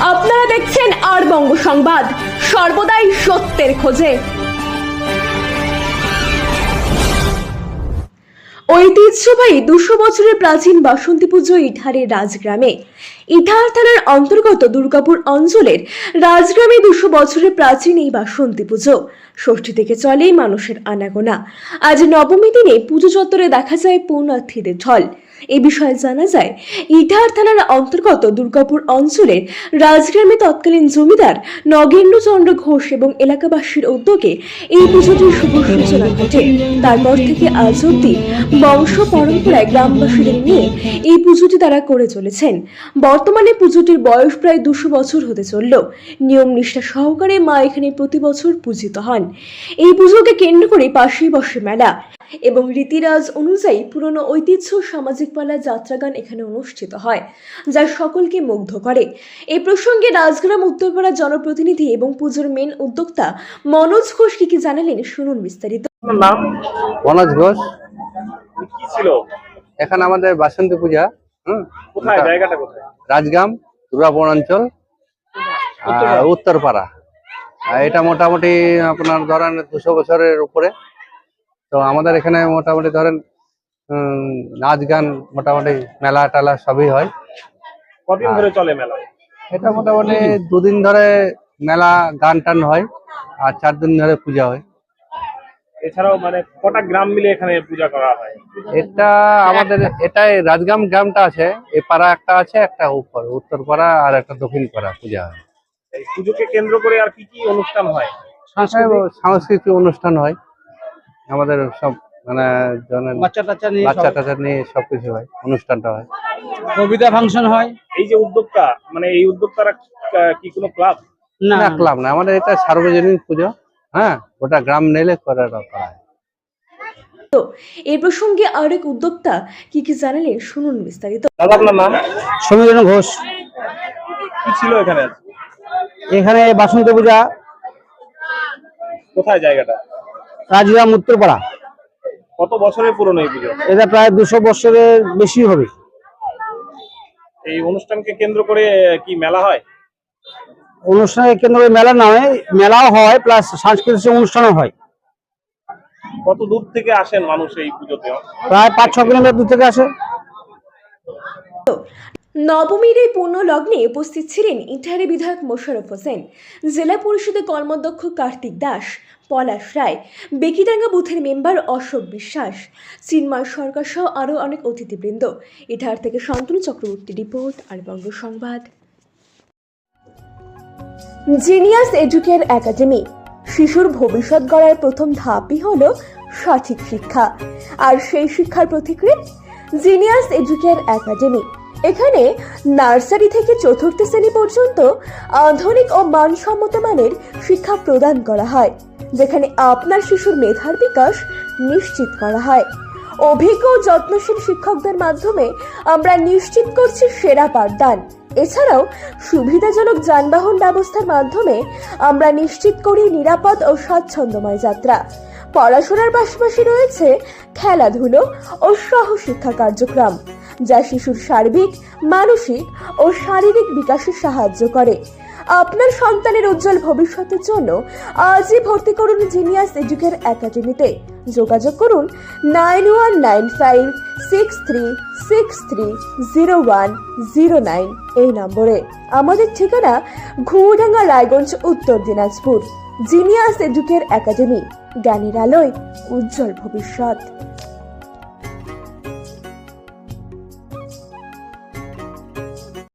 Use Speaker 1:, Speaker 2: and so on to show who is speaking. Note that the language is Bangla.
Speaker 1: আপনারা দেখছেন আর বঙ্গ সংবাদ, সর্বদাই সত্যের খোঁজে। ঐতিহ্যবাহী 200 বছরের প্রাচীন বাসন্তী পুজো ইটাহারের রাজগ্রামে। ইটাহার থানার অন্তর্গত দুর্গাপুর অঞ্চলের রাজগ্রামে 200 বছরের প্রাচীন এই বাসন্তী পুজো ষষ্ঠী থেকে চলে মানুষের আনাগোনা। আজ নবমী দিনে পুজো চত্বরে দেখা যায় পূর্ণার্থীদের ঢল। এই বিষয়ে জানা যায়, ইটাহার থানার অন্তর্গত দুর্গাপুর অঞ্চলের রাজগ্রামে তৎকালীন জমিদার নগেন্দ্রচন্দ্র ঘোষ এবং এলাকাবাসীর উদ্যোগে এই পুজোটির শুভ সূচনা ঘটে। তারপর থেকে আজ অব্দি বংশ পরম্পরায় গ্রামবাসীদের নিয়ে এই পুজোটি তারা করে চলেছেন। বর্তমানে পুজোটির বয়স প্রায় 200 বছর হতে চলল। নিয়ম নিষ্ঠা সহকারে মা এখানে প্রতি বছর পূজিত হন। এই পুজোকে কেন্দ্র করে পাশেই বসে মেলা এবং রীতিরাজ অনুযায়ী পুরনো ঐতিহ্য সামাজিক পালা যাত্রাগান এখানে অনুষ্ঠিত হয়, যা সকলকে মুগ্ধ করে। এই প্রসঙ্গে রাজগ্রাম উত্তরপাড়া জনপ্রতিনিধি এবং পুজোর মেন উদ্যোক্তা মনোজ ঘোষ কি জানালেন, শুনুন বিস্তারিত।
Speaker 2: নাম
Speaker 3: মনোজ ঘোষ।
Speaker 2: কি ছিল
Speaker 3: এখানে আমাদের বাসন্তী পূজা।
Speaker 2: কোথায় জায়গাটা কোথায়?
Speaker 3: রাজগ্রাম দুর্গাপুর অঞ্চল, উত্তরপাড়া। এটা মোটামুটি আপনার ধরেন 200 বছরের উপরে। তো আমাদের এখানে মোটামুটি ধরেন নাচ গান, মোটামুটি মেলা টালা সবই হয়।
Speaker 2: কদিন ধরে চলে মেলা?
Speaker 3: এটা মোটামুটি 2 দিন ধরে মেলা গান টান হয় আর 4 দিন ধরে পূজা হয়।
Speaker 2: এছাড়াও মানে কটা গ্রাম মিলে এখানে পূজা করা হয়?
Speaker 3: এটা আমাদের এটাই রাজগ্রাম গ্রামটা আছে, এই পাড়া একটা আছে, একটা উত্তরপাড়া আর একটা দক্ষিণ পাড়া পূজা হয়।
Speaker 2: এই পুজোকে কেন্দ্র করে আর কি কি অনুষ্ঠান হয়?
Speaker 3: সাংস্কৃতিক অনুষ্ঠান হয় আমাদের, সব মানে বাচ্চা টাচ্চা নিয়ে সবকিছু হয়, অনুষ্ঠানটা হয়,
Speaker 4: কবিতা ফাংশন হয়।
Speaker 2: এই যে উদ্যোক্তা, মানে এই উদ্যোক্তারা কি কোনো ক্লাব?
Speaker 3: না ক্লাব না, আমাদের এটা সার্বজনীন পুজো। হ্যাঁ, ওটা গ্রাম নেলে করা হয়।
Speaker 1: তো এই প্রসঙ্গে আরেক উদ্যোক্তা কি জানালেন, শুনুন বিস্তারিত।
Speaker 2: দাদা, আপনার নাম?
Speaker 4: সমীরণ ঘোষ।
Speaker 2: কি ছিল এখানে?
Speaker 4: এখানে বাসন্তী পূজা।
Speaker 2: কোথায় জায়গাটা?
Speaker 4: রাজগ্রাম উত্তরপাড়া।
Speaker 2: কত বছরের পুরনো এই পুজো?
Speaker 4: এটা প্রায় 200 বছরের বেশি হবে।
Speaker 2: এই অনুষ্ঠানকে কেন্দ্র করে কি মেলা হয়?
Speaker 4: অনুষ্ঠানের কেন্দ্র করে মেলা নয়, মেলাও হয় প্লাস সাংস্কৃতিক অনুষ্ঠানও হয়।
Speaker 2: কত দূর থেকে আসেন মানুষ এই পুজোতে?
Speaker 4: প্রায় 5-6 কিলোমিটার দূর থেকে আসে।
Speaker 1: নবমীর এই পূর্ণ লগ্নে উপস্থিত ছিলেন ইটাহারের বিধায়ক মোশাররফ হোসেন, জেলা পরিষদের কর্মাধ্যক্ষ কার্তিক দাস, পলাশ রায়, বেকিডাঙ্গা বুথের মেম্বার অশোক বিশ্বাস, চিন্ময় সরকার সহ আরও অনেক অতিথিবৃন্দ। ইটাহার থেকে শান্তনু চক্রবর্তী রিপোর্ট, আর Banga Sangbad. Genius educare academy. শিশুর ভবিষ্যৎ গড়ার প্রথম ধাপই হলো সঠিক শিক্ষা, আর সেই শিক্ষার প্রতিক্রিয়া জিনিয়াস এডুকেয়ার একাডেমি। এখানে নার্সারি থেকে 4র্থ শ্রেণী পর্যন্ত আধুনিক ও মানসম্মত মানের শিক্ষা প্রদান করা হয়, যেখানে আপনার শিশুর মেধার বিকাশ নিশ্চিত করা হয়। অভিজ্ঞ ও যত্নশীল শিক্ষকদের মাধ্যমে আমরা নিশ্চিত করছি সেরা পাঠদান। এছাড়াও সুবিধাজনক যানবাহন ব্যবস্থার মাধ্যমে আমরা নিশ্চিত করি নিরাপদ ও স্বাচ্ছন্দ্যময় যাত্রা। পড়াশোনার পাশাপাশি রয়েছে খেলাধুলো ও সহশিক্ষা কার্যক্রম, যা শিশুর সার্বিক, মানসিক ও শারীরিক বিকাশে সাহায্য করে। আপনার সন্তানের উজ্জ্বল ভবিষ্যতের জন্য আজই ভর্তি করুন জিনিয়াস এডুকেয়ার একাডেমিতে। যোগাযোগ করুন 919563630109 এই নম্বরে। আমাদের ঠিকানা ঘুমডাঙ্গা, রায়গঞ্জ, উত্তর দিনাজপুর। জিনিয়াস এডুকেয়ার একাডেমি, জ্ঞানের আলোয় উজ্জ্বল ভবিষ্যৎ।